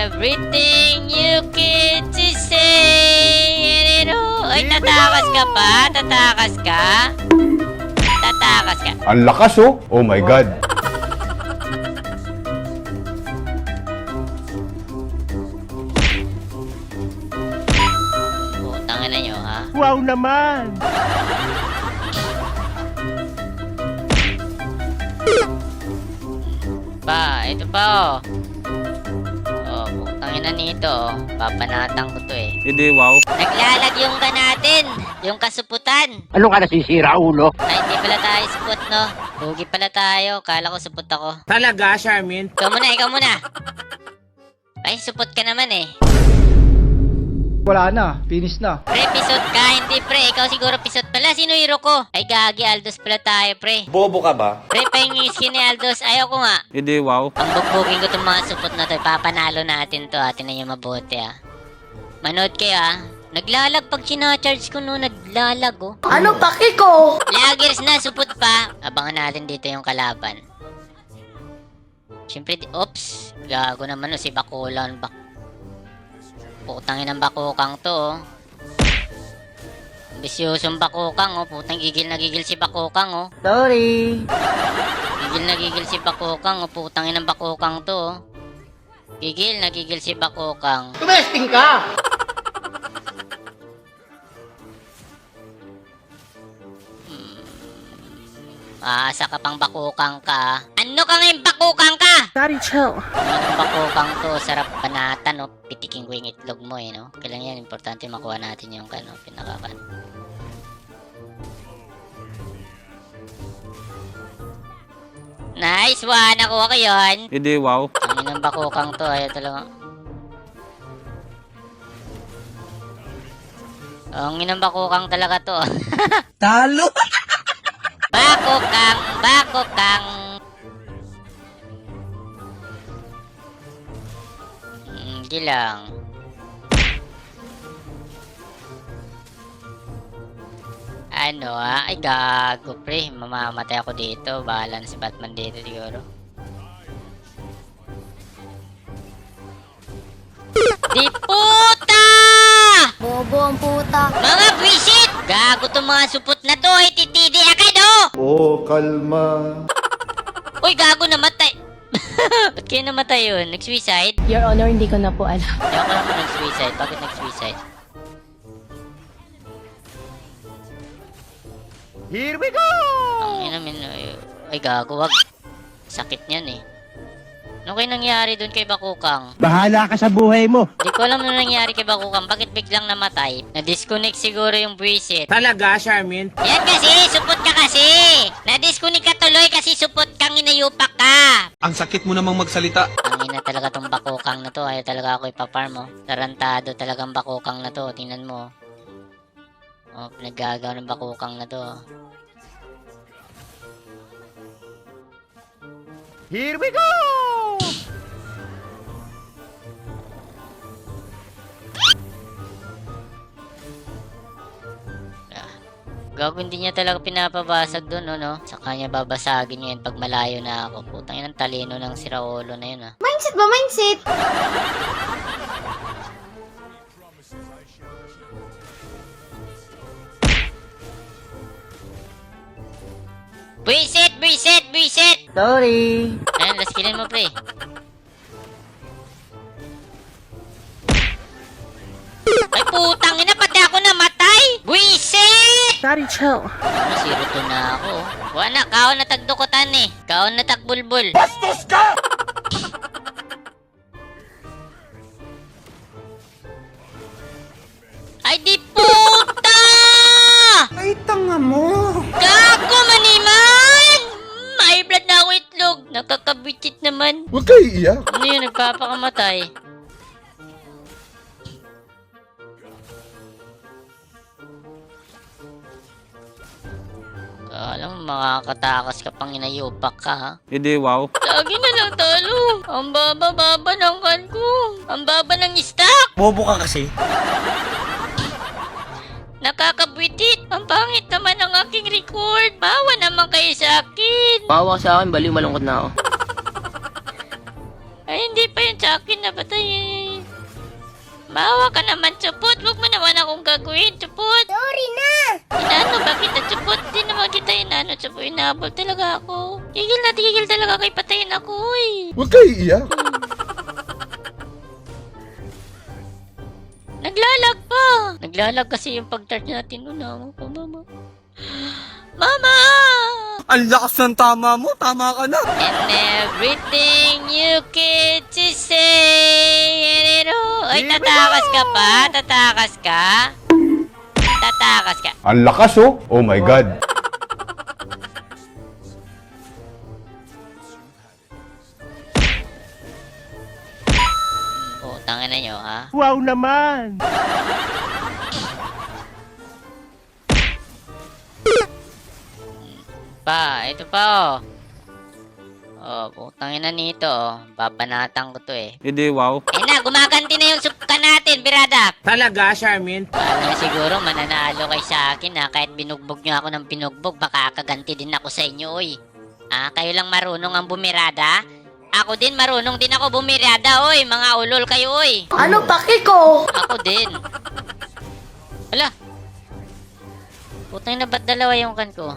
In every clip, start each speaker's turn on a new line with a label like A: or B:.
A: everything you get to say. Ay, tatakas ka pa? Tatakas ka? Tatakas ka?
B: Ang lakas oh. Oh my God.
A: Putang ina nyo, ha?
C: Wow naman!
A: Ito pa, oh. Oh, putang ina nito, oh. Papanatang ko to, eh.
C: Hindi, wow.
A: Naglalag yung ka natin, yung kasuputan.
D: Ano ka nasisira, ulo?
A: Ay, hindi pala tayo supot, no? Hugi pala tayo, kala ko supot ako.
C: Talaga, Charmin?
A: Ikaw muna. Ay, supot ka naman, eh.
E: Wala na, finish na.
A: Pre, pisot ka, hindi pre. Ikaw siguro pisot pala. Sino hero ko? Ay, gagi, Aldos pala tayo, pre.
C: Bobo ka ba?
A: Pre, pahingin skin ni Aldos. Ayaw ko nga.
C: Hindi, wow.
A: Ang bugbugin ko itong mga supot na to. Papanalo natin to. Atin na yung mabuti, ah. Manood kayo, ah. Naglalag pag sinacharge ko, no. Naglalag, oh.
F: Ano paki ko?
A: Lagers na, supot pa. Abangan natin dito yung kalaban. Siyempre, oops. Gago naman, oh. Si Bakulan. Putangin ng bakukang to, oh. Ambisyosong bakukang, oh. Putang gigil na gigil si bakukang, oh.
F: Sorry.
A: Gigil na gigil si bakukang, oh. Putangin ng bakukang to, oh. Gigil na gigil si bakukang.
F: Tumesting ka!
A: Aasa ka pang bakukang ka. Ano ka ngayon bakukang ka?
F: Daddy, chill.
A: Ang bakukang to, sarap banatan, no? Pitikin ko yung itlog mo, eh, no? Kailangan yan, importante makuha natin yung, ano, pinakakan. Nice one! Nakuha ko yun.
C: Hindi, wow.
A: Ang inang bakukang to, ayaw talaga. Ang inang bakukang talaga to.
F: Talo!
A: Bakukang. Hindi lang. Ano, ah? Ay, gago, pre. Mamamatay ako dito. Bahala na si Batman dito, siguro. Di puta!
F: Bobo ang puta.
A: Mga buwisit! Gago tong mga supot na to. Ay, titidi agad, oh!
B: Oh, kalma.
A: Uy, gago, namatay. Ba't kayo namatay yun? Nag-suicide?
G: Your Honor, hindi ko na po alam.
A: Hindi ako naman nag-suicide. Bakit nag-suicide?
C: Here we go!
A: Ang ina, ay, gago, wag. Sakit niyan, eh. Ano kayo nangyari dun kay Bakukang?
D: Bahala ka sa buhay mo.
A: Di ko alam ano nangyari kay Bakukang. Bakit biglang namatay? Na-disconnect siguro yung buwisit.
C: Talaga, Charmin?
A: Yan kasi, supot ka kasi. Na-disconnect ka tuloy kasi supot kang inayupak ka.
H: Ang sakit mo namang magsalita.
A: Ang ina talaga tong Bakukang na to. Ayaw talaga ako ipaparm, oh. Tarantado talagang Bakukang na to. Tingnan mo. Oh, pinaggagawa ng Bakukang na to.
C: Here we go!
A: Gago, hindi niya talaga pinapabasag doon, no? Sa kanya babasagin niya yan pag malayo na ako. Putang yun ang talino ng siraulo na yun, ah.
F: Mindset ba? Mindset?
A: Buisit!
F: Sorry.
A: Ayan, last killin mo, pre. Ay, putang ina, pati ako namatay! Buisit!
F: Daddy, chill.
A: Ano, zero to na ako. Wala, kaon na tagdukutan, eh. Kaon na tagbulbul.
C: Bastos ka!
A: Ay, di puta!
F: Ay, tanga mo.
A: Gago, maniman! May blood na ako itlog. Nakakabitit naman.
B: Huwag kayo iiyak.
A: Ano yun, nagpapakamatay? Alam mo, makakatakas ka pang inayupak ka, ha?
C: Hindi, wow.
A: Lagi na lang talo. Ang baba-baba ng kan ko. Ang baba ng stock.
C: Bobo ka kasi.
A: Nakakabwitit. Ang pangit naman ang aking record. Bawa naman kayo sa akin.
D: Bawa sa akin, baliw malungkot na ako.
A: Ay, hindi pa yun sa akin. Napatay. Maawa ka naman, Chupot. Huwag mo naman akong gagawin, Chupot.
F: Sorry na!
A: Inano ba kita, Chupot? Di naman kita inano, Chupot. Inahabol talaga ako. Tigil talaga kay patayin ako, eh.
B: Huwag kayo iiyak.
A: Naglalag pa. Naglalag kasi yung pag-start natin. Unawa ko, Mama. Mama!
H: Ang lakas ng tama mo, tama ka na.
A: And everything you can to say. Ay, tatakas ka pa? Tatakas ka? Tatakas ka.
B: Ang lakas oh. Oh my God.
A: Oh, tangin na nyo, ha?
D: Wow naman!
A: Pa, ito pa, oh. Oh, putangin na nito, oh. Babanatan ko to, eh.
H: Hindi, wow.
A: Eh na, gumaganti na yung suka natin, birada.
C: Talaga, Charmin?
A: Paano siguro mananalo kay sa akin, ha? Kahit binugbog nyo ako ng binugbog, baka kaganti din ako sa inyo, oy. Ah, kayo lang marunong ang bumirada? Ako din, marunong din ako bumirada, oy. Mga ulol kayo, oy.
F: Ano paki ko?
A: Ako din. Wala. Putang na, ba't dalawa yung kan ko?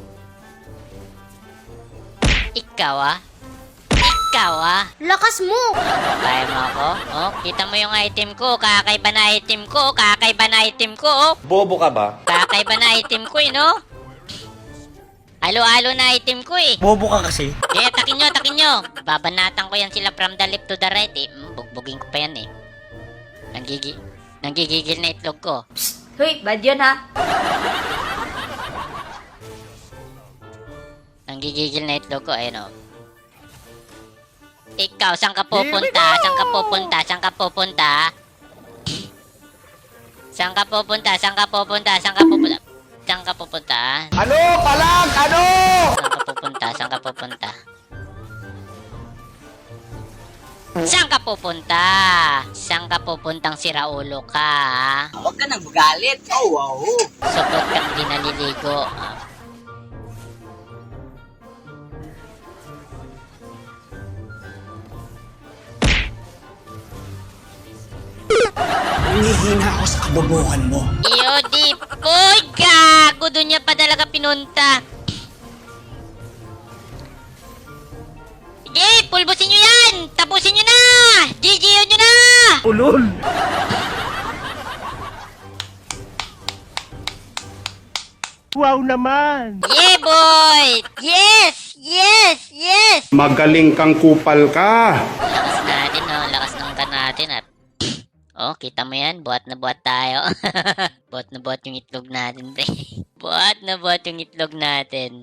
A: Ikaw, ah. Ikaw, ah.
F: Lakas mo!
A: Kaya mo ako? Oh, kita mo yung item ko. Kakaiba na item ko. Kakaiba na item ko, oh.
C: Bobo ka ba?
A: Kakaiba na item ko, eh, no? Alo-alo na item ko, eh.
C: Bobo ka kasi.
A: Eh, takin nyo, takin nyo. Babanatan ko yan sila from the left to the right, eh. Bugbugin ko pa yan, eh. Nanggigigil na itlog ko.
F: Hoy, bad yun ha?
A: Nanggigigil na itlog ko, ayun, oh. Ikaw, saan ka pupunta? Saan ka pupunta? Saan ka pupunta? Saan ka pupunta? Saan ka pupunta? Saan ka pupunta? Saan ka pupunta?
C: Ano? Palag! Ano?
A: Saan ka pupunta? Saan ka pupunta? Saan ka pupunta? Saan ka pupuntang siraulo ka, ha?
C: Huwag ka nang magalit. Oh, wow.
A: Supot kang di naliligo. Ah.
C: Hinihina ako sa kabobohan mo.
A: Iyo, di poy, gago. Doon niya pa talaga pinunta. Sige, pulbusin nyo yan. Tapusin nyo na. GGO nyo na.
C: Ulol!
D: Wow naman!
A: Yeah, boy. Yes, yes, yes.
B: Magaling kang kupal ka.
A: Lakas natin, no? Lakas ng kan natin, at oh, kita mo yan, buhat na buhat tayo. Buhat na buhat yung itlog natin, pre. Buhat na buhat yung itlog natin.